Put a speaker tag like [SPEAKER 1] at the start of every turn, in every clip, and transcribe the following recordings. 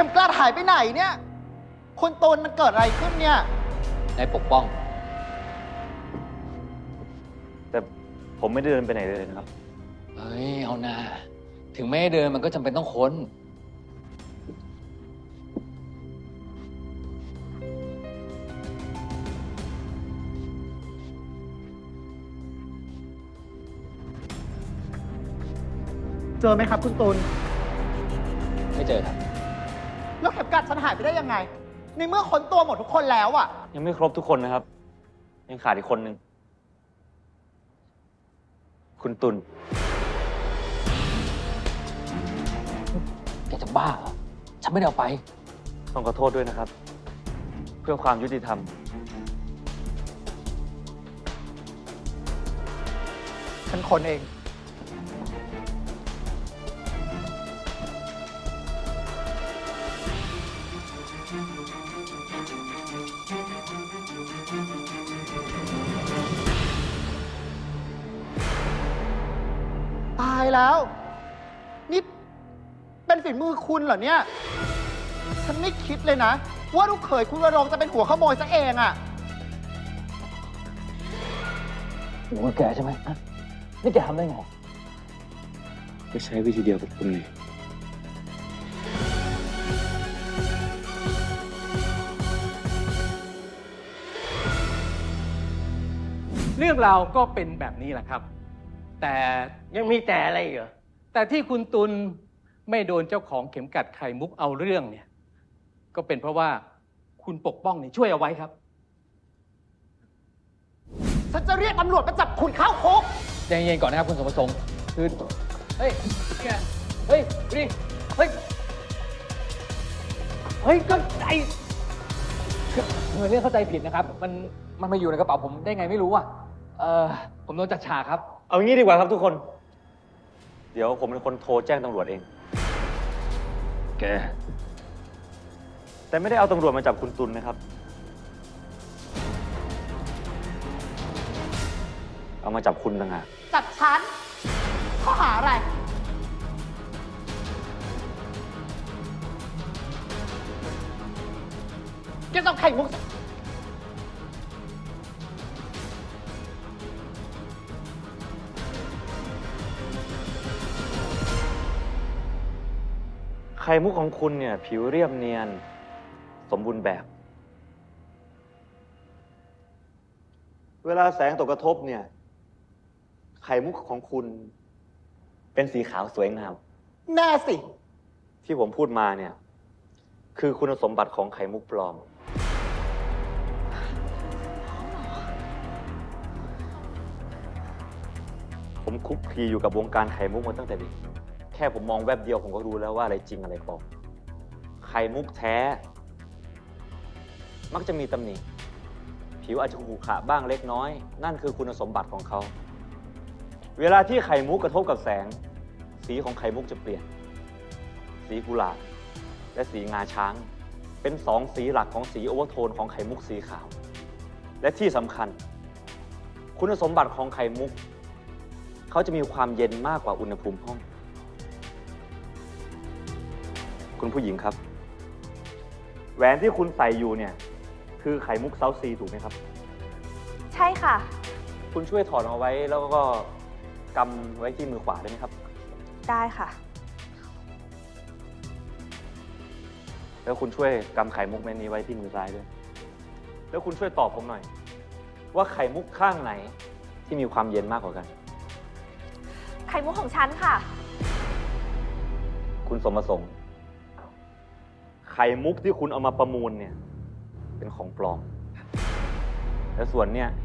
[SPEAKER 1] มกลัดหายไปไหนเนี่ยคุณตูนมันเกิดอะไรขึ้นเนี่ย
[SPEAKER 2] นายปกป้อง
[SPEAKER 3] แต่ผมไม่ได้เดินไปไหนเลยนะครับ
[SPEAKER 2] เฮ้ยเอานาถึงไม่ให้เดินมันก็จำเป็นต้องค้น
[SPEAKER 1] เจอไหมครับคุณตูน
[SPEAKER 2] ไม่เจอครับ
[SPEAKER 1] แล้วเข็มกลัดฉันหายไปได้ยังไงในเมื่อค้นตัวหมดทุกคนแล้วอะ
[SPEAKER 3] ยังไม่ครบทุกคนนะครับยังขาดอีกคนนึงคุณตุล
[SPEAKER 2] แกจะบ้าเหรอฉันไม่ได้เอาไป
[SPEAKER 3] ต้องขอโทษด้วยนะครับ เพื่อความยุติธรรม
[SPEAKER 1] ฉันค้นเองตายแล้วนี่เป็นฝีมือคุณเหรอเนี่ยฉันไม่คิดเลยนะว่าลูกเขยคุณวรงค์จะเป็นหัวขโมยซะเองอะ
[SPEAKER 2] หัวแกใช่ไหมนี่แกทำได้ไง
[SPEAKER 3] ก็ใช้วิธีเดียวกับคุณเลย
[SPEAKER 4] เรื่องราวก็เป็นแบบนี้แหละครับแต่
[SPEAKER 5] ยังมีแต่อะไรเหรอ
[SPEAKER 4] แต่ที่คุณตุลไม่โดนเจ้าของเข็มกัดไข่มุกเอาเรื่องเนี่ยก็เป็นเพราะว่าคุณปกป้องเนี่ยช่วยเอาไว้ครับ
[SPEAKER 1] ฉันจะเรียกตำรวจมาจับคุณเข้าคุก
[SPEAKER 2] ใจเย็นๆก่อนนะครับคุณสมประสงค์คือเฮ้ยเฮ้ยดิเฮ้ยก็ไอเหมือนเรื่องเข้าใจผิดนะครับมันมาอยู่ในกระเป๋าผมได้ไงไม่รู้อ่ะผมโดนจัดฉากครับ
[SPEAKER 3] เอางี้ดีกว่าครับทุกคนเดี๋ยวผมเป็นคนโทรแจ้งตำรวจเองแกแต่ไม่ได้เอาตำรวจมาจับคุณตุลนะครับเอามาจับคุณต่างหาก
[SPEAKER 1] จับฉันข้อหาอะไรแกต้องไข่มุก
[SPEAKER 3] ไข่มุกของคุณเนี่ยผิวเรียบเนียนสมบูรณ์แบบ เวลาแสงตกกระทบเนี่ยไข่มุกของคุณเป็นสีขาวสวยงาม
[SPEAKER 1] แน่สิ
[SPEAKER 3] ที่ผมพูดมาเนี่ยคือคุณสมบัติของไข่มุกปลอมผมคลุกคลีอยู่กับวงการไข่มุกมาตั้งแต่เด็กแค่ผมมองแวบเดียวผมก็รู้แล้วว่าอะไรจริงอะไรปลอมไข่มุกแท้มักจะมีตำหนิผิวอาจจะขรุขระบ้างเล็กน้อยนั่นคือคุณสมบัติของเขาเวลาที่ไข่มุกกระทบกับแสงสีของไข่มุกจะเปลี่ยนสีกุหลาบและสีงาช้างเป็นสองสีหลักของสีโอเวอร์โทนของไข่มุกสีขาวและที่สำคัญคุณสมบัติของไข่มุกเขาจะมีความเย็นมากกว่าอุณหภูมิห้องคุณผู้หญิงครับแหวนที่คุณใส่อยู่เนี่ยคือไข่มุกเซาซีถูกไหมครับ
[SPEAKER 6] ใช่ค่ะ
[SPEAKER 3] คุณช่วยถอดเอาไว้แล้วก็กำไว้ที่มือขวาได้ไหมครับ
[SPEAKER 6] ได้ค่ะ
[SPEAKER 3] แล้วคุณช่วยกำไข่มุกเม็ดนี้ไว้ที่มือซ้ายด้วยแล้วคุณช่วยตอบผมหน่อยว่าไข่มุกข้างไหนที่มีความเย็นมากกว่ากัน
[SPEAKER 6] ไข่มุกของฉันค่ะ
[SPEAKER 3] คุณสมประสงค์ไข่มุกที่คุณเอามาประมูลเนี่ยเป็นของปลอมและส่วนเนี่ย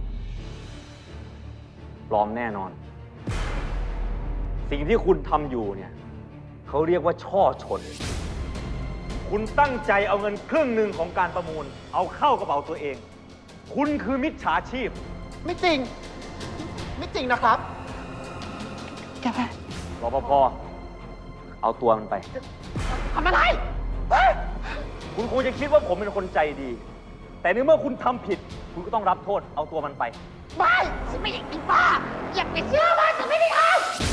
[SPEAKER 3] ปลอมแน่นอนสิ่งที่คุณทำอยู่เนี่ยเขาเรียกว่าช่อฉนคุณตั้งใจเอาเงินครึ่งหนึ่งของการประมูลเอาเข้ากระเป๋าตัวเองคุณคือมิจฉาชีพ
[SPEAKER 1] ไม่จริงไม่จริงนะครับแก
[SPEAKER 3] รปภเอาตัวมันไป
[SPEAKER 1] ทำอะไร
[SPEAKER 3] คุณคงจะคิดว่าผมเป็นคนใจดี แต่ในเมื่อคุณทำผิดคุณก็ต้องรับโทษเอาตัวมันไป
[SPEAKER 1] ไม่ฉันไม่อยากกินบ้าอยากไปเชื่อว่าฉันไม่ได้ทำ